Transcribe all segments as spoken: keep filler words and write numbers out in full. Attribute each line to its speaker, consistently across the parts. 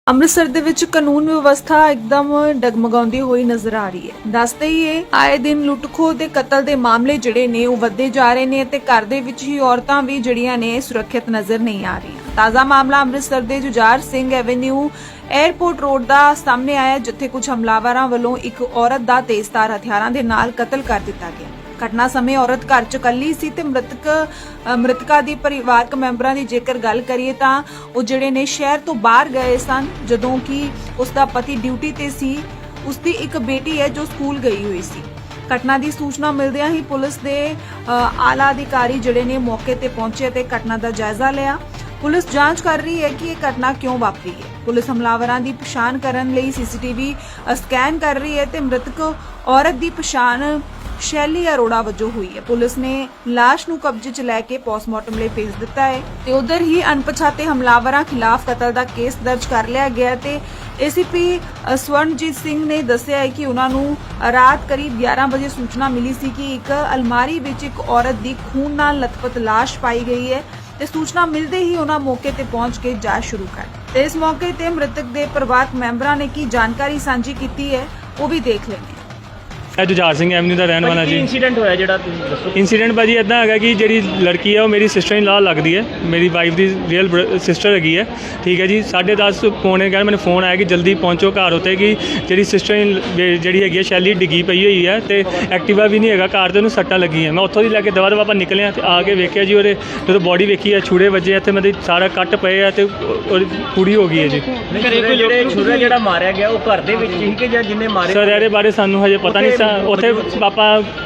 Speaker 1: ਅੰਮ੍ਰਿਤਸਰ ਦੇ ਵਿੱਚ ਕਾਨੂੰਨ ਵਿਵਸਥਾ ਇੱਕਦਮ ਡਗਮਗਾਉਂਦੀ ਹੋਈ ਨਜ਼ਰ ਆ ਰਹੀ ਹੈ। ਦੱਸਦੇ ਹੀ ਇਹ ਆਏ ਦਿਨ ਲੁੱਟ-ਖੋਹ ਦੇ ਕਤਲ ਦੇ ਮਾਮਲੇ ਜਿਹੜੇ ਨੇ ਉਹ ਵੱਧਦੇ ਜਾ ਰਹੇ ਨੇ ਤੇ ਘਰ ਦੇ ਵਿੱਚ ਹੀ ਔਰਤਾਂ ਵੀ ਜਿਹੜੀਆਂ ਨੇ ਸੁਰੱਖਿਅਤ ਨਜ਼ਰ ਨਹੀਂ ਆ ਰਹੀਆਂ। ਤਾਜ਼ਾ ਮਾਮਲਾ ਅੰਮ੍ਰਿਤਸਰ ਦੇ Jujhar Singh avenue airport road ਦਾ ਸਾਹਮਣੇ ਆਇਆ, ਜਿੱਥੇ ਕੁਝ ਹਮਲਾਵਰਾਂ ਵੱਲੋਂ ਇੱਕ ਔਰਤ ਦਾ ਤੇਜ਼ਧਾਰ ਹਥਿਆਰਾਂ ਦੇ ਨਾਲ ਕਤਲ ਕਰ ਦਿੱਤਾ ਗਿਆ। ਘਟਨਾ ਸਮੇਂ ਔਰਤ ਘਰ ਚ ਇਕੱਲੀ ਸੀ ਤੇ ਮ੍ਰਿਤਕ ਮ੍ਰਿਤਕਾ ਦੀ ਪਰਿਵਾਰਕ ਮੈਂਬਰਾਂ ਦੀ ਜੇਕਰ ਗੱਲ ਕਰੀਏ ਤਾਂ ਉਹ ਜਿਹੜੇ ਨੇ ਸ਼ਹਿਰ ਤੋਂ ਬਾਹਰ ਗਏ ਸਨ, ਜਦੋਂ ਕਿ ਉਸ ਦਾ ਪਤੀ ਡਿਊਟੀ ਤੇ ਸੀ। ਉਸ ਦੀ ਇੱਕ ਬੇਟੀ ਹੈ ਜੋ ਸਕੂਲ ਗਈ ਹੋਈ ਸੀ। ਘਟਨਾ ਦੀ ਸੂਚਨਾ ਮਿਲਦਿਆਂ ਹੀ ਪੁਲਿਸ ਦੇ ਆਲਾ ਅਧਿਕਾਰੀ ਜਿਹੜੇ ਨੇ ਮੌਕੇ ਤੇ ਪਹੁੰਚੇ ਤੇ ਘਟਨਾ ਦਾ ਜਾਇਜ਼ਾ ਲਿਆ। ਪੁਲਿਸ ਜਾਂਚ ਕਰ ਰਹੀ ਹੈ ਕਿ ਇਹ ਘਟਨਾ ਕਿਉਂ ਵਾਪਰੀ ਹੈ। ਪੁਲਿਸ ਹਮਲਾਵਰਾਂ ਦੀ ਪਛਾਣ ਕਰਨ ਲਈ ਸੀਸੀਟੀਵੀ ਸਕੈਨ ਕਰ ਰਹੀ ਹੈ ਤੇ ਮ੍ਰਿਤਕ ਔਰਤ ਦੀ ਪਛਾਣ ਸ਼ੈਲੀ ਅਰੋੜਾ ਵਜੋਂ ਹੋਈ ਹੈ। ਪੁਲਿਸ ਨੇ ਲਾਸ਼ ਨੂੰ ਕਬਜ਼ੇ 'ਚ ਲੈ ਕੇ ਪੋਸਟਮਾਰਟਮ ਲਈ ਭੇਜ ਦਿੱਤਾ ਹੈ ਤੇ ਉਧਰ ਹੀ ਅਣਪਛਾਤੇ ਹਮਲਾਵਰਾਂ ਖਿਲਾਫ ਕਤਲ ਦਾ ਕੇਸ ਦਰਜ ਕਰ ਲਿਆ ਗਿਆ ਤੇ ਏਸੀਪੀ ਸਵਰਨਜੀਤ ਸਿੰਘ ਨੇ ਦੱਸਿਆ ਹੈ ਕਿ ਉਹਨਾਂ ਨੂੰ ਰਾਤ ਕਰੀਬ ਗਿਆਰਾਂ ਵਜੇ ਸੂਚਨਾ ਮਿਲੀ ਸੀ ਕਿ ਇੱਕ ਅਲਮਾਰੀ ਵਿੱਚ ਇੱਕ ਔਰਤ ਦੀ ਖੂਨ ਨਾਲ ਲਥਪਥ ਲਾਸ਼ ਪਾਈ ਗਈ ਹੈ ਤੇ ਸੂਚਨਾ ਮਿਲਦੇ ਹੀ ਉਹਨਾਂ ਮੌਕੇ ਤੇ ਪਹੁੰਚ ਕੇ ਜਾਂਚ ਸ਼ੁਰੂ ਕਰ ਦਿੱਤੀ ਤੇ ਇਸ ਮੌਕੇ ਤੇ ਮ੍ਰਿਤਕ ਦੇ ਪਰਿਵਾਰਕ ਮੈਂਬਰਾਂ ਨੇ ਕੀ ਜਾਣਕਾਰੀ ਸਾਂਝੀ ਕੀਤੀ ਹੈ ਉਹ ਵੀ ਦੇਖ ਲੈਂਦੇ ਹਾਂ।
Speaker 2: मैं जुझार सिंह एवेन्यू का रहने वाला जी।
Speaker 3: इंसीडेंट होया जेड़ा तुसीं दस्सो।
Speaker 2: इंसीडेंट भाजी इदा है कि जी लड़की है वो मेरी सिस्टर इन लॉ लगती है, मेरी वाइफ की रियल सिस्टर हैगी है। ठीक है जी, साढ़े दस पौने ग्यारह मैंने फोन आया कि जल्दी पहुँचो घर उत्ते कि जी सिस्टर इन जी हैगी शैली डिग्गी पई हुई है तो एक्टिवा भी नहीं है घर, तो उन्होंने सट्टां लगी है। मैं उत्थों दी लैके दवा दवा ਆਪਾਂ निकले तो आके वेख्या जी और जो बॉडी वेखी है छुरे वजे है मतलब सारा कट पे है तो पूरी हो गई है जी।
Speaker 3: छुरा जेड़ा मारिया गया वो घर दे विच ही कि जां जिन्ने मारे
Speaker 2: सर ਇਹਦੇ ਬਾਰੇ ਸਾਨੂੰ ਹਜੇ ਪਤਾ ਨਹੀਂ ਸਾ। ਉੱਥੇ ਪਾਪਾ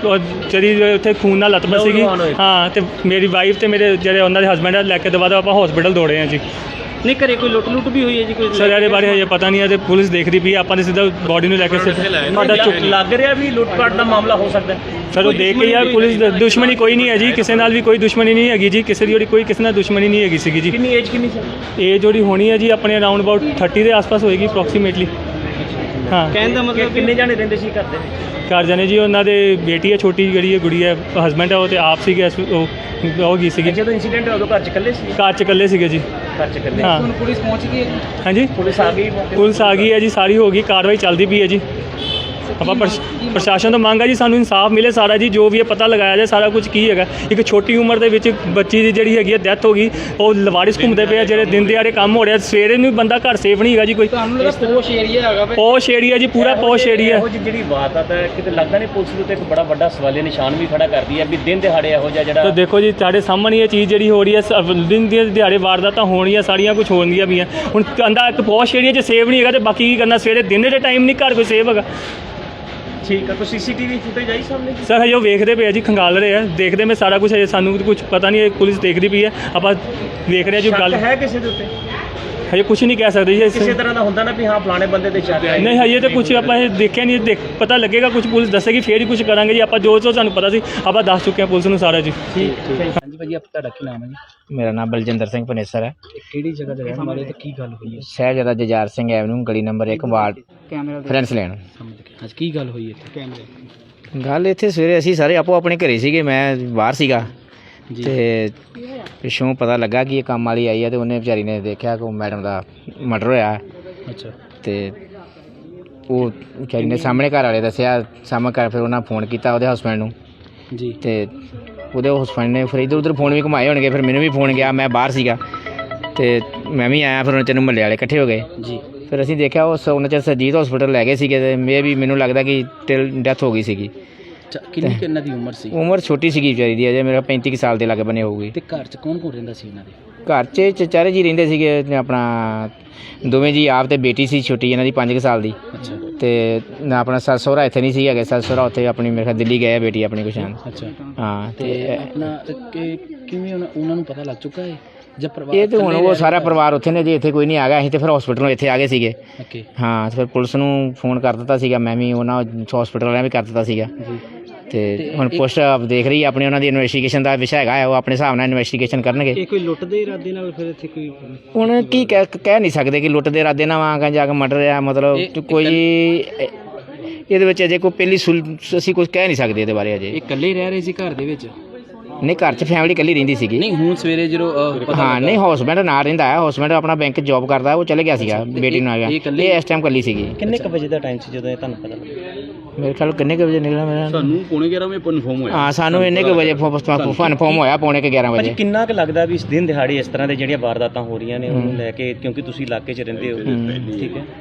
Speaker 2: ਜਿਹੜੀ ਉੱਥੇ ਖੂਨ ਨਾਲ ਲਤਪਤ ਸੀਗੀ ਹਾਂ ਤੇ ਮੇਰੀ ਵਾਈਫ ਤੇ ਮੇਰੇ ਜਿਹੜੇ ਉਹਨਾਂ ਦੇ ਹਸਬੈਂਡ ਲੈ ਕੇ ਦਵਾ ਦਵਾ ਆਪਾਂ ਹਸਪੀਟਲ ਦੌੜੇ ਆ ਜੀ।
Speaker 3: ਨਹੀਂ ਘਰੇ ਕੋਈ ਲੁੱਟ ਲੁੱਟ ਵੀ ਹੋਈ ਹੈ ਜੀ ਕੋਈ?
Speaker 2: ਸਰ ਇਹਦੇ ਬਾਰੇ ਹਜੇ ਪਤਾ ਨਹੀਂ ਹੈ ਤੇ ਪੁਲਿਸ ਦੇਖਦੀ ਪਈ, ਆਪਾਂ ਨੇ ਸਿੱਧਾ ਬੋਡੀ ਨੂੰ ਲੈ ਕੇ
Speaker 3: ਸਾਡਾ ਚੁੱਕ ਲੱਗ ਰਿਹਾ ਵੀ ਲੁੱਟ ਪਾਟ ਦਾ ਮਾਮਲਾ ਹੋ ਸਕਦਾ
Speaker 2: ਸਰ। ਉਹ ਦੇਖ ਕੇ ਯਾਰ ਪੁਲਿਸ ਦੁਸ਼ਮਣੀ ਕੋਈ ਨਹੀਂ ਹੈ ਜੀ, ਕਿਸੇ ਨਾਲ ਵੀ ਕੋਈ ਦੁਸ਼ਮਣੀ ਨਹੀਂ ਹੈਗੀ ਜੀ, ਕਿਸੇ ਦੀ ਜਿਹੜੀ ਕੋਈ ਕਿਸੇ ਨਾਲ ਦੁਸ਼ਮਣੀ ਨਹੀਂ ਹੈਗੀ ਸੀਗੀ ਜੀ।
Speaker 3: ਕਿੰਨੀ ਏਜ ਕਿੰਨੀ ਸੀ?
Speaker 2: ਏਜ ਜਿਹੜੀ ਹੋਣੀ ਹੈ ਜੀ ਆਪਣੇ ਅਰਾਊਂਡ ਅਬਾਊਟ ਥਰਟੀ ਦੇ ਆਸ-ਪਾਸ ਹੋਏਗੀ ਅਪਰੋਕਸੀਮੇਟਲੀ। ਹਾਂ
Speaker 3: ਕਹਿਣ ਦਾ ਮਤਲਬ ਕਿੰਨੇ ਜਾਣੇ ਰਹਿੰਦੇ ਸੀ ਘਰ ਦੇ ਵਿੱਚ?
Speaker 2: ਘਰ ਜਾਣੇ ਜੀ ਉਹਨਾਂ ਦੇ ਬੇਟੀ ਹੈ ਛੋਟੀ ਜਿਹੜੀ ਹੈ ਗੁੜੀ ਹੈ, ਹਸਬੈਂਡ ਹੈ ਉਹ ਤੇ ਆਪ ਸੀਗੇ, ਉਹ ਉਹ ਗਈ ਸੀਗੀ।
Speaker 3: ਜਦੋਂ ਇੰਸੀਡੈਂਟ ਹੋਇਆ ਉਦੋਂ ਘਰ ਚ ਇਕੱਲੇ ਸੀ?
Speaker 2: ਘਰ ਚ ਇਕੱਲੇ ਸੀਗੇ ਜੀ।
Speaker 3: ਘਰ ਚ ਇਕੱਲੇ।
Speaker 2: ਹਾਂ
Speaker 3: ਹੁਣ ਪੁਲਿਸ ਪਹੁੰਚ ਗਈ ਹੈ?
Speaker 2: ਹਾਂਜੀ
Speaker 3: ਪੁਲਿਸ ਆ ਗਈ?
Speaker 2: ਪੁਲਿਸ ਆ ਗਈ ਹੈ ਜੀ, ਸਾਰੀ ਹੋ ਗਈ, ਕਾਰਵਾਈ ਚੱਲਦੀ ਪਈ ਹੈ ਜੀ। ਆਪਾਂ ਪ੍ਰਸ਼ਾਸਨ ਤੋਂ ਮੰਗ ਹੈ ਜੀ ਸਾਨੂੰ ਇਨਸਾਫ ਮਿਲੇ ਸਾਰਾ ਜੀ, ਜੋ ਵੀ ਇਹ ਪਤਾ ਲਗਾਇਆ ਜਾਏ ਸਾਰਾ ਕੁਝ ਕੀ ਹੈਗਾ। ਇੱਕ ਛੋਟੀ ਉਮਰ ਦੇ ਵਿੱਚ ਬੱਚੀ ਦੀ ਜਿਹੜੀ ਹੈਗੀ ਹੈ ਡੈਥ ਹੋ ਗਈ, ਉਹ ਲਵਾਰਿਸ ਘੁੰਮਦੇ ਪਏ ਆ, ਜਿਹੜੇ ਦਿਨ ਦਿਹਾੜੇ ਕੰਮ ਹੋ ਰਿਹਾ, ਸਵੇਰੇ ਨੂੰ ਬੰਦਾ ਘਰ ਸੇਫ ਨਹੀਂ ਹੈਗਾ ਜੀ ਕੋਈ।
Speaker 3: ਤੁਹਾਨੂੰ ਲੱਗਦਾ ਪੋਸ਼ ਏਰੀਆ ਹੈਗਾ?
Speaker 2: ਪੋਸ਼ ਏਰੀਆ ਜੀ, ਪੂਰਾ ਪੋਸ਼ ਏਰੀਆ।
Speaker 3: ਇਹੋ ਜਿਹੀ ਜਿਹੜੀ ਵਾਰਦਾਤ ਹੈ ਕਿਤੇ ਲੱਗਦਾ ਨਹੀਂ ਪੁਲਿਸ ਦੇ ਉੱਤੇ ਇੱਕ ਬੜਾ ਵੱਡਾ ਸਵਾਲੀਆ ਨਿਸ਼ਾਨ ਵੀ ਖੜਾ ਕਰਦੀ ਹੈ ਵੀ ਦਿਨ ਦਿਹਾੜੇ ਇਹੋ ਜਿਹਾ ਜਿਹੜਾ।
Speaker 2: ਤਾਂ ਦੇਖੋ ਜੀ ਤੁਹਾਡੇ ਸਾਹਮਣੇ ਇਹ ਚੀਜ਼ ਜਿਹੜੀ ਹੋ ਰਹੀ ਹੈ, ਦਿਨ ਦੀਆਂ ਦਿਹਾੜੇ ਵਾਰਦਾਤਾਂ ਹੋਣੀਆਂ ਸਾਰੀਆਂ ਕੁਝ ਹੋਣਗੀਆਂ ਵੀ ਆ। ਹੁਣ ਕਹਿੰਦਾ ਇੱਕ ਪੋਸ਼ ਏਰੀਆ 'ਚ ਸੇਫ ਨਹੀਂ ਹੈਗਾ ਤੇ ਬਾਕੀ ਕੀ ਕਰਨਾ, ਸਵੇਰੇ ਦਿਨ ਦੇ ਟਾਈਮ ਨਹੀਂ ਘਰ ਕੋਈ ਸੇਫ ਹੈਗਾ।
Speaker 3: ਠੀਕ ਹੈ, ਕੋਈ ਸੀਸੀਟੀਵੀ ਫੁਟੇਜ ਆਈ ਸਾਹਮਣੇ?
Speaker 2: ਸਰ ਹਜੇ ਉਹ ਵੇਖਦੇ ਪਏ ਆ ਜੀ, ਖੰਗਾਲ ਰਹੇ ਆ, ਦੇਖਦੇ ਮੈਂ ਸਾਰਾ ਕੁਝ। ਹਜੇ ਸਾਨੂੰ ਕੁਝ ਪਤਾ ਨਹੀਂ, ਪੁਲਿਸ ਦੇਖਦੀ ਪਈ ਹੈ, ਆਪਾਂ ਦੇਖ ਰਹੇ ਆ ਜੋ ਗੱਲ
Speaker 3: ਹੈ। ਕਿਸੇ ਦੇ ਉੱਤੇ
Speaker 2: ਹਜੇ ਕੁਝ ਨਹੀਂ ਕਹਿ ਸਕਦੇ ਜੀ।
Speaker 3: ਕਿਸੇ ਤਰ੍ਹਾਂ ਦਾ ਹੁੰਦਾ ਨਾ ਵੀ ਹਾਂ ਫਲਾਣੇ ਬੰਦੇ ਦੇ ਸ਼ੱਕ ਹੈ?
Speaker 2: ਨਹੀਂ ਹਜੇ ਤਾਂ ਕੁਝ ਆਪਾਂ ਇਹ ਦੇਖਿਆ ਨਹੀਂ, ਦੇਖ ਪਤਾ ਲੱਗੇਗਾ, ਕੁਝ ਪੁਲਿਸ ਦੱਸੇਗੀ ਫੇਰ ਹੀ ਕੁਝ ਕਰਾਂਗੇ ਜੀ। ਆਪਾਂ ਜੋ ਜੋ ਸਾਨੂੰ ਪਤਾ ਸੀ ਆਪਾਂ ਦੱਸ ਚੁੱਕੇ ਹਾਂ ਪੁਲਿਸ ਨੂੰ ਸਾਰਾ ਜੀ।
Speaker 3: ਠੀਕ ਠੀਕ। ਹਾਂਜੀ ਭਾਜੀ, ਆਪ ਤੁਹਾਡਾ ਕੀ ਨਾਮ ਹੈ ਜੀ?
Speaker 4: ਮੇਰਾ ਨਾਮ ਬਲਜਿੰਦਰ ਸਿੰਘ ਪਨੇਸਰ ਹੈ।
Speaker 3: ਕਿਹੜੀ ਜਗ੍ਹਾ ਤੇ ਰਹਿਣ ਵਾਲੇ ਤੇ ਕੀ ਗੱਲ ਹੋਈ ਹੈ?
Speaker 4: ਸ਼ਹਿਜਾਦਾ ਜੁਝਾਰ ਸਿੰਘ ਐਵਨਿਊ ਗਲੀ ਨੰਬਰ ਇੱਕ ਵਾਰਡ ਫਰੈਂਸ ਲੈਣ।
Speaker 3: ਅੱਜ ਕੀ ਗੱਲ ਹੋਈ ਇੱਥੇ? ਕੈਮਰੇ
Speaker 4: ਗੱਲ ਇੱਥੇ ਸਵੇਰੇ ਅਸੀਂ ਸਾਰੇ ਆਪੋ ਆਪਣੇ ਘਰੇ ਸੀਗੇ, ਮੈਂ ਬਾਹਰ ਸੀਗਾ ਤੇ ਪਿੱਛੋਂ ਪਤਾ ਲੱਗਾ ਕਿ ਇਹ ਕੰਮ ਵਾਲੀ ਆਈ ਹੈ ਤੇ ਉਹਨੇ ਵਿਚਾਰੀ ਨੇ ਦੇਖਿਆ ਕਿ ਮੈਡਮ ਦਾ ਮਰਡਰ ਹੋਇਆ।
Speaker 3: ਅੱਛਾ।
Speaker 4: ਤੇ ਉਹ ਵਿਚਾਰੀ ਨੇ ਸਾਹਮਣੇ ਘਰ ਵਾਲੇ ਦੱਸਿਆ, ਸਾਹਮਣੇ ਘਰ ਫਿਰ ਉਹਨਾਂ ਫੋਨ ਕੀਤਾ ਉਹਦੇ ਹਸਬੈਂਡ ਨੂੰ
Speaker 3: ਜੀ ਤੇ
Speaker 4: ਉਹਦੇ ਹਸਬੈਂਡ ਨੇ ਫਿਰ ਇੱਧਰ ਉੱਧਰ ਫੋਨ ਵੀ ਘੁਮਾਏ ਹੋਣਗੇ, ਫਿਰ ਮੈਨੂੰ ਵੀ ਫੋਨ ਗਿਆ, ਮੈਂ ਬਾਹਰ ਸੀਗਾ ਤੇ ਮੈਂ ਵੀ ਆਇਆ। ਫਿਰ ਉਹਨਾਂ ਚਿਰ ਨੂੰ ਮਹੱਲੇ ਵਾਲੇ ਇਕੱਠੇ ਹੋ ਗਏ
Speaker 3: ਜੀ। ਫਿਰ
Speaker 4: ਅਸੀਂ ਦੇਖਿਆ ਉਸ ਉਹਨਾਂ ਚਿਰ ਸਰਜੀਤ ਹਸਪੀਟਲ ਲੈ ਗਏ ਸੀਗੇ ਤੇ ਮੇ ਵੀ ਮੈਨੂੰ ਲੱਗਦਾ ਕਿ ਟਿਲ ਡੈਥ ਹੋ ਗਈ ਸੀਗੀ।
Speaker 3: ਕਿੰਨੀ ਕਿੰਨਾ ਦੀ ਉਮਰ ਸੀ?
Speaker 4: ਉਮਰ ਛੋਟੀ ਸੀਗੀ ਵਿਚਾਰੀ ਦੀ, ਅਜੇ ਮੇਰਾ ਪੈਂਤੀ ਕੁ ਸਾਲ ਦੇ ਲਾਗੇ ਬਣੇ ਹੋਊਗੀ।
Speaker 3: ਤੇ ਘਰ 'ਚ ਕੌਣ ਕੌਣ ਰਹਿੰਦਾ ਸੀ ਇਹਨਾਂ ਦੇ?
Speaker 4: ਘਰ 'ਚ ਚਚਾਰੇ ਜੀ ਰਹਿੰਦੇ ਸੀਗੇ, ਆਪਣਾ ਦੋਵੇਂ ਜੀ ਆਪ ਤੇ ਬੇਟੀ ਸੀ ਛੋਟੀ ਇਹਨਾਂ ਦੀ ਪੰਜ ਕੁ ਸਾਲ ਦੀ।
Speaker 3: ਅੱਛਾ। ਤੇ
Speaker 4: ਨਾ ਆਪਣਾ ਸੱਸ ਸਹੁਰਾ ਇੱਥੇ ਨਹੀਂ ਸੀ ਹੈਗੇ, ਸੱਸ ਸਹੁਰਾ ਉੱਥੇ ਆਪਣੀ ਮੇਰੇ ਖਿਆਲ ਦਿੱਲੀ ਗਏ ਬੇਟੀ ਆਪਣੀ ਕੁਛ।
Speaker 3: ਅੱਛਾ।
Speaker 4: ਹਾਂ ਤੇ
Speaker 3: ਆਪਣਾ ਕਿਵੇਂ ਉਹਨਾਂ ਨੂੰ ਪਤਾ ਲੱਗ ਚੁੱਕਾ ਹੈ?
Speaker 4: ਇਹ ਤਾਂ ਹੁਣ ਉਹ ਸਾਰਾ ਪਰਿਵਾਰ ਉੱਥੇ ਨੇ ਜੀ, ਇੱਥੇ ਕੋਈ ਨਹੀਂ ਆ ਗਿਆ। ਅਸੀਂ ਤਾਂ ਫਿਰ ਹਸਪੀਟਲੋਂ ਇੱਥੇ ਆ ਗਏ ਸੀਗੇ। ਹਾਂ ਫਿਰ ਪੁਲਿਸ ਨੂੰ ਫੋਨ ਕਰ ਦਿੱਤਾ ਸੀਗਾ, ਮੈਂ ਵੀ ਉਹਨਾਂ ਹਸਪੀਟਲ ਵਾਲਿਆਂ ਵੀ ਕਰ ਦਿੱਤਾ ਸੀਗਾ। ਤੇ ਹੁਣ ਪੁਲਿਸ ਦੇਖ ਰਹੀ ਆਪਣੀ, ਉਹਨਾਂ ਦੀ ਇਨਵੈਸਟੀਗੇਸ਼ਨ ਦਾ ਵਿਸ਼ਾ ਹੈਗਾ, ਉਹ ਆਪਣੇ ਹਿਸਾਬ ਨਾਲ ਇਨਵੈਸਟੀਗੇਸ਼ਨ ਕਰਨਗੇ।
Speaker 3: ਇਹ ਕੋਈ ਲੁੱਟ ਦੇ ਇਰਾਦੇ ਨਾਲ ਫਿਰ ਇੱਥੇ ਕੋਈ
Speaker 4: ਹੁਣ ਕੀ ਕਹਿ ਕਹਿ ਨਹੀਂ ਸਕਦੇ ਕਿ ਲੁੱਟ ਦੇ ਇਰਾਦੇ ਨਾਲ ਆ ਜਾ ਕੇ ਮਰਡਰ ਆ, ਮਤਲਬ ਕੋਈ ਇਹਦੇ ਵਿੱਚ ਅਜੇ ਕੋਈ ਪਹਿਲੀ ਅਸੀਂ ਕੁਝ ਕਹਿ ਨਹੀਂ ਸਕਦੇ ਇਹਦੇ ਬਾਰੇ ਅਜੇ।
Speaker 3: ਇਹ ਇਕੱਲੇ ਰਹਿ ਰਹੇ ਸੀ ਘਰ ਦੇ ਵਿੱਚ?
Speaker 4: ਨਹੀਂ ਘਰ 'ਚ ਫੈਮਿਲੀ ਇਕੱਲੀ ਰਹਿੰਦੀ ਸੀਗੀ।
Speaker 5: ਨਹੀਂ ਹੁਣ ਸਵੇਰੇ ਜਦੋਂ ਅ, ਪਤਾ
Speaker 4: ਹਾਂ
Speaker 5: ਲੱਗਾ-
Speaker 4: ਨਹੀਂ ਹਸਬੈਂਡ ਨਾਲ ਰਹਿੰਦਾ ਹੈ, ਹਸਬੈਂਡ ਆਪਣਾ ਬੈਂਕ ਜੌਬ ਕਰਦਾ, ਉਹ ਚਲੇ ਗਿਆ ਸੀਗਾ ਬੇਟੀ ਨੂੰ ਆ ਗਿਆ,
Speaker 5: ਇਹ ਇਕੱਲੀ-
Speaker 4: ਇਹ ਇਸ ਟਾਈਮ ਇਕੱਲੀ ਸੀਗੀ।
Speaker 3: ਕਿੰਨੇ ਕੁ ਵਜੇ ਦਾ ਟਾਈਮ ਸੀ ਜਦੋਂ ਇਹ ਤੁਹਾਨੂੰ ਪਤਾ ਲੱਗਾ?
Speaker 4: ਮੇਰੇ ਖਿਆਲ ਕਿੰਨੇ ਕੁ ਵਜੇ ਨਿਕਲਿਆ ਮੇਰਾ
Speaker 5: ਸਾਨੂੰ ਪੌਣੇ ਗਿਆਰਾਂ ਵਜੇ ਕਨਫਰਮ ਹੋਇਆ।
Speaker 4: ਹਾਂ ਸਾਨੂੰ ਇੰਨੇ ਕੁ ਵਜੇ ਕਨਫਰਮ ਹੋਇਆ ਪੌਣੇ ਕੁ ਗਿਆਰਾਂ
Speaker 3: ਭਾਜੀ
Speaker 4: ਵਜੇ।
Speaker 3: ਕਿੰਨਾ ਕੁ ਲੱਗਦਾ ਵੀ ਇਸ ਦਿਨ ਦਿਹਾੜੇ ਇਸ ਤਰ੍ਹਾਂ ਦੇ ਜਿਹੜੀਆਂ ਵਾਰਦਾਤਾਂ ਹੋ ਰਹੀਆਂ ਨੇ ਉਹਨੂੰ ਲੈ ਕੇ, ਕਿਉਂਕਿ ਤੁਸੀਂ ਇਲਾਕੇ 'ਚ ਰਹਿੰਦੇ ਹੋ, ਠੀਕ ਹੈ?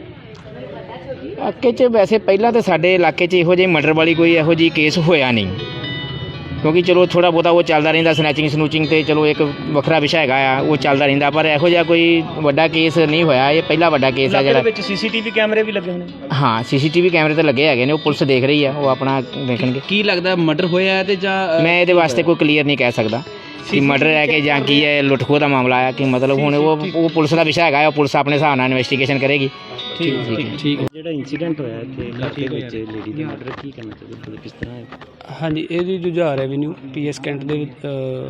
Speaker 4: ਇਲਾਕੇ 'ਚ ਵੈਸੇ ਪਹਿਲਾਂ ਤਾਂ ਸਾਡੇ ਇਲਾਕੇ 'ਚ ਇਹੋ ਜਿਹੀ ਮਰਡਰ ਵਾਲੀ ਕੋਈ ਇਹੋ ਜਿਹੀ ਕੇਸ ਹੋਇਆ ਨਹੀਂ, ਕਿਉਂਕਿ ਚਲੋ ਥੋੜਾ ਬਹੁਤਾ ਉਹ ਚੱਲਦਾ ਰਹਿੰਦਾ, ਸਨੈਚਿੰਗ ਸਨੂਚਿੰਗ ਤੇ ਚਲੋ ਇੱਕ ਵੱਖਰਾ ਵਿਸ਼ਾ ਹੈਗਾ ਆ, ਉਹ ਚੱਲਦਾ ਰਹਿੰਦਾ, ਪਰ ਇਹੋ ਜਿਹਾ ਕੋਈ ਵੱਡਾ ਕੇਸ ਨਹੀਂ ਹੋਇਆ। ਇਹ ਪਹਿਲਾ ਵੱਡਾ ਕੇਸ ਆ
Speaker 3: ਇਲਾਕੇ ਦੇ
Speaker 4: ਜਿਹੜਾ।
Speaker 3: ਵਿੱਚ ਸੀਸੀਟੀਵੀ ਕੈਮਰੇ ਵੀ ਲੱਗੇ ਹੋਣੇ?
Speaker 4: ਹਾਂ ਸੀਸੀਟੀਵੀ ਕੈਮਰੇ ਤੇ ਲੱਗੇ ਹੈਗੇ ਨੇ, ਉਹ ਪੁਲਿਸ ਦੇਖ ਰਹੀ ਆ, ਉਹ ਆਪਣਾ ਦੇਖਣਗੇ।
Speaker 5: ਕੀ ਲੱਗਦਾ ਮਰਡਰ ਹੋਇਆ ਹੈ ਤੇ ਜਾਂ ਅ,
Speaker 4: ਮੈਂ ਇਹਦੇ ਵਾਸਤੇ ਕੋਈ ਕਲੀਅਰ ਨਹੀਂ ਕਹਿ ਸਕਦਾ ਕਿ ਮਰਡਰ ਹੈ ਕਿ ਜਾਂ ਕੀ ਹੈ, ਲੁੱਟ ਖੋਹ ਦਾ ਮਾਮਲਾ ਆ ਕਿ ਮਤਲਬ ਹੁਣ ਉਹ ਉਹ ਪੁਲਿਸ ਦਾ ਵਿਸ਼ਾ ਹੈਗਾ, ਉਹ ਪੁਲਿਸ ਆਪਣੇ ਹਿਸਾਬ ਨਾਲ ਇਨਵੈਸਟੀਗੇਸ਼ਨ ਕਰੇਗੀ।
Speaker 5: ਠੀਕ ਠੀਕ ਠੀਕ
Speaker 3: ਜਿਹੜਾ ਇਨਸੀਡੈਂਟ ਹੋਇਆ ਇੱਥੇ ਇਲਾਕੇ ਵਿੱਚ ਲੇਡੀ ਦਾ ਮਰਡਰ, ਕੀ ਕਰਨਾ ਚਾਹੀਦਾ, ਕਿਸ ਤਰ੍ਹਾਂ ਹੈ?
Speaker 6: ਹਾਂਜੀ, ਇਹਦੀ Jujhar avenue P S Cantt ਦੇ ਵਿੱਚ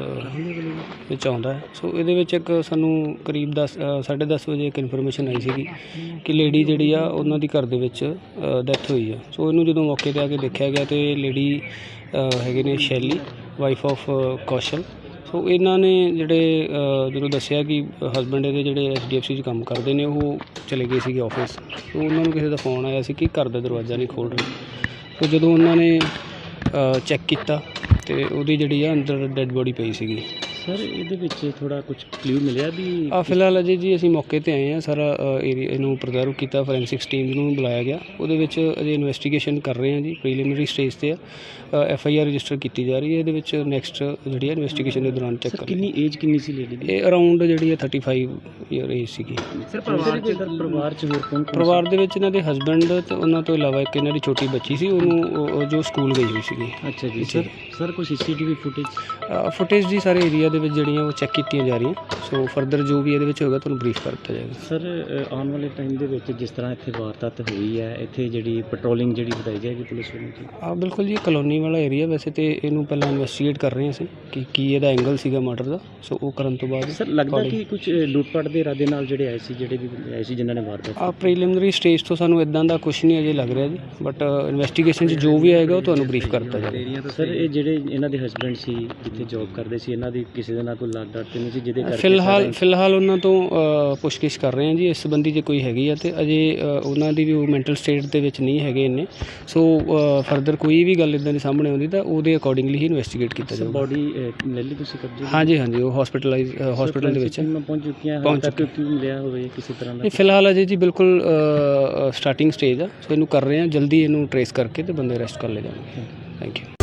Speaker 6: ਅ, ਵਿੱਚ ਆਉਂਦਾ ਹੈ। ਸੋ ਇਹਦੇ ਵਿੱਚ ਇੱਕ ਸਾਨੂੰ ਕਰੀਬ ਦਸ ਸਾਢੇ ਦਸ ਵਜੇ ਇੱਕ ਇਨਫੋਰਮੇਸ਼ਨ ਆਈ ਸੀਗੀ ਕਿ ਲੇਡੀ ਜਿਹੜੀ ਆ ਉਹਨਾਂ ਦੀ ਘਰ ਦੇ ਵਿੱਚ ਡੈਥ ਹੋਈ ਆ। ਸੋ ਇਹਨੂੰ ਜਦੋਂ ਮੌਕੇ 'ਤੇ ਆ ਕੇ ਦੇਖਿਆ ਗਿਆ ਤੇ ਲੇਡੀ ਹੈਗੇ ਨੇ ਸ਼ੈਲੀ, ਵਾਈਫ ਆਫ ਕੌਸ਼ਲ। ਸੋ ਇਹਨਾਂ ਨੇ ਜਿਹੜੇ ਅ, ਜਦੋਂ ਦੱਸਿਆ ਕਿ ਹਸਬੈਂਡ ਇਹਦੇ ਜਿਹੜੇ ਐਚ ਡੀ ਐਫ ਸੀ 'ਚ ਕੰਮ ਕਰਦੇ ਨੇ, ਉਹ ਚਲੇ ਗਏ ਸੀਗੇ ਆਫਿਸ। ਸੋ ਉਹਨਾਂ ਨੂੰ ਕਿਸੇ ਦਾ ਫੋਨ ਆਇਆ ਸੀ ਕਿ ਘਰ ਦਾ ਦਰਵਾਜ਼ਾ ਨਹੀਂ ਖੋਲ੍ਹ ਰਹੇ। ਸੋ ਜਦੋਂ ਉਹਨਾਂ ਨੇ ਚੈੱਕ ਕੀਤਾ ਤੇ ਉਹਦੀ ਜਿਹੜੀ ਆ ਅੰਦਰ ਡੈੱਡ ਬੋਡੀ ਪਈ ਸੀਗੀ।
Speaker 3: ਸਰ ਇਹਦੇ ਵਿੱਚ ਥੋੜਾ ਕੁਝ ਕਲੂ ਮਿਲਿਆ ਵੀ?
Speaker 6: ਆ ਫਿਲਹਾਲ ਅਜੇ ਜੀ ਅਸੀਂ ਮੌਕੇ ਤੇ ਆਏ ਹਾਂ, ਸਾਰਾ ਏਰੀਆ ਇਹਨੂੰ ਪ੍ਰੀਜ਼ਰਵ ਕੀਤਾ, ਫੋਰੈਂਸਿਕਸ ਟੀਮ ਨੂੰ ਬੁਲਾਇਆ ਗਿਆ, ਉਹਦੇ ਵਿੱਚ ਅਜੇ ਇਨਵੈਸਟੀਗੇਸ਼ਨ ਕਰ ਰਹੇ ਹਾਂ ਜੀ, ਪ੍ਰੀਲਿਮਿਨਰੀ ਸਟੇਜ ਤੇ ਆ। ਐਫ ਆਈ ਆਰ ਰਜਿਸਟਰ ਕੀਤੀ ਜਾ ਰਹੀ ਹੈ, ਇਹਦੇ ਵਿੱਚ ਨੈਕਸਟ ਜਿਹੜੀ ਹੈ ਇਨਵੈਸਟੀਗੇਸ਼ਨ ਦੇ ਦੌਰਾਨ ਚੈੱਕ ਕਰ
Speaker 3: ਕਿੰਨੀ ਏਜ ਕਿੰਨੀ ਸੀ ਲੇਡੀ ਦੀ?
Speaker 6: ਇਹ ਅਰਾਊਂਡ ਜਿਹੜੀ ਹੈ ਥਰਟੀ ਫਾਈਵ ਈਅਰ ਏਜ ਸੀਗੀ।
Speaker 3: ਸਰ ਪਰਿਵਾਰ 'ਚ ਪਰਿਵਾਰ 'ਚ ਹੋਰ ਕੌਣ?
Speaker 6: ਪਰਿਵਾਰ ਦੇ ਵਿੱਚ ਇਹਨਾਂ ਦੇ ਹਸਬੈਂਡ ਤੇ ਉਹਨਾਂ ਤੋਂ ਇਲਾਵਾ ਇੱਕ ਇਹਨਾਂ ਦੀ ਛੋਟੀ ਬੱਚੀ ਸੀ, ਉਹਨੂੰ ਉਹ- ਜੋ ਸਕੂਲ ਗਈ ਹੋਈ ਸੀਗੀ।
Speaker 3: ਅੱਛਾ ਜੀ। ਸਰ ਸਰ ਕੋਈ ਸੀਸੀਟੀਵੀ ਫੁਟੇਜ?
Speaker 6: ਫੁਟੇਜ ਦੀ ਸਾਰੇ ਏਰੀਆ ਦੇ ਵਿੱਚ ਜਿਹੜੀਆਂ ਉਹ ਚੈੱਕ ਕੀਤੀਆਂ ਜਾ ਰਹੀਆਂ। ਸੋ ਫਰਦਰ ਜੋ ਵੀ ਇਹਦੇ ਵਿੱਚ ਹੋਏਗਾ ਤੁਹਾਨੂੰ ਬਰੀਫ ਕਰ ਦਿੱਤਾ ਜਾਏਗਾ।
Speaker 3: ਸਰ ਅ, ਆਉਣ ਵਾਲੇ ਟਾਈਮ ਦੇ ਵਿੱਚ ਜਿਸ ਤਰ੍ਹਾਂ ਇੱਥੇ ਵਾਰਦਾਤ ਹੋਈ ਹੈ, ਇੱਥੇ ਜਿਹੜੀ ਪੈਟਰੋਲਿੰਗ ਜਿਹੜੀ ਵਧਾਈ ਜਾਏਗੀ ਪੁਲਿਸ ਵੱਲੋਂ ਜੀ?
Speaker 6: ਆ ਬਿਲਕੁਲ ਜੀ, ਕਲੋਨੀ ਵਾਲਾ ਏਰੀਆ ਵੈਸੇ ਤੇ ਇਹਨੂੰ ਪਹਿਲਾਂ ਇਨਵੈਸਟੀਗੇਟ ਕਰ ਰਹੇ ਹਾਂ ਅਸੀਂ ਕਿ ਕੀ ਇਹਦਾ ਐਂਗਲ ਸੀਗਾ ਮਰਡਰ ਦਾ। ਸੋ ਉਹ ਕਰਨ ਤੋਂ ਬਾਅਦ
Speaker 3: ਸਰ ਲੱਗਦਾ ਕਿ ਕੁਝ ਲੁੱਟਪਾਟ ਦੇ ਇਰਾਦੇ ਨਾਲ ਜਿਹੜੇ ਆਏ ਸੀ, ਜਿਹੜੇ ਵੀ ਬੰਦੇ ਆਏ ਸੀ ਜਿਨ੍ਹਾਂ ਨੇ ਵਾਰਦਾਤ?
Speaker 6: ਆ ਪ੍ਰੀਲਿਮਿਨਰੀ ਸਟੇਜ ਤੋਂ ਸਾਨੂੰ ਇਦਾਂ ਦਾ ਕੁਝ ਨਹੀਂ ਅਜੇ ਲੱਗ ਰਿਹਾ ਜੀ, ਬਟ ਇਨਵੈਸਟੀਗੇਸ਼ਨ 'ਚ ਜੋ ਵੀ ਆਏਗਾ ਉਹ ਤੁਹਾਨੂੰ ਬਰੀਫ ਕਰ ਦਿੱਤਾ ਜਾਏਗਾ।
Speaker 3: ਸਰ ਇਹ ਜਿਹੜੇ ਇਹਨਾਂ ਦੇ ਹਸਬੈਂਡ ਸੀ ਜਿੱਥੇ ਜੌਬ ਕਰਦੇ ਸੀ, ਇਹਨਾਂ ਦੀ ਕਿਸੇ ਦੇ ਨਾਲ ਕੋਈ ਲਾਗ ਡਾਟ ਤੇ ਨਹੀਂ ਸੀ ਜਿਹਦੇ ਕਰਕੇ?
Speaker 6: ਫਿਲਹਾਲ ਫਿਲਹਾਲ ਉਹਨਾਂ ਤੋਂ ਅ, ਪੁੱਛਗਿੱਛ ਕਰ ਰਹੇ ਹਾਂ ਜੀ ਇਸ ਸੰਬੰਧੀ, ਜੇ ਕੋਈ ਹੈਗੀ ਆ ਤੇ ਅਜੇ ਅ, ਉਹਨਾਂ ਦੀ ਵੀ ਉਹ ਮੈਂਟਲ ਸਟੇਟ ਦੇ ਵਿੱਚ ਨਹੀਂ ਹੈਗੇ ਇੰਨੇ। ਸੋ ਫਰਦਰ ਕੋਈ ਵੀ ਗੱਲ ਇਦਾਂ ਦੀ ਸਾਹਮਣੇ ਆਉਂਦੀ ਤਾਂ ਉਹਦੇ ਅਕੋਰਡਿੰਗਲੀ ਹੀ ਇਨਵੈਸਟੀਗੇਟ ਕੀਤਾ ਜਾਊਗਾ।
Speaker 3: ਬੋਡੀ ਲੈ ਲਈ ਤੁਸੀਂ ਕਬਜ਼ੇ?
Speaker 6: ਹਾਂਜੀ ਹਾਂਜੀ, ਉਹ ਹਸਪੀਟਲਾਈਜ਼ ਹਸਪੀਟਲ ਦੇ ਵਿੱਚ ਹੈ।
Speaker 3: ਪਹੁੰਚ ਚੁੱਕੀਆਂ ਹਨ
Speaker 6: ਪਹੁੰਚ
Speaker 3: ਤੱਕ, ਕੀ ਮਿਲਿਆ ਹੋਵੇ ਕਿਸੇ ਤਰ੍ਹਾਂ ਦਾ?
Speaker 6: ਇਹ ਫਿਲਹਾਲ ਅਜੇ ਜੀ ਬਿਲਕੁਲ ਸਟਾਰਟਿੰਗ ਸਟੇਜ ਆ। ਸੋ ਇਹਨੂੰ ਕਰ ਰਹੇ ਹਾਂ, ਜਲਦੀ ਇਹਨੂੰ ਟਰੇਸ ਕਰਕੇ ਤੇ ਬੰਦੇ ਅਰੈਸਟ ਕਰ ਲਏ ਜਾਣਗੇ। Thank you.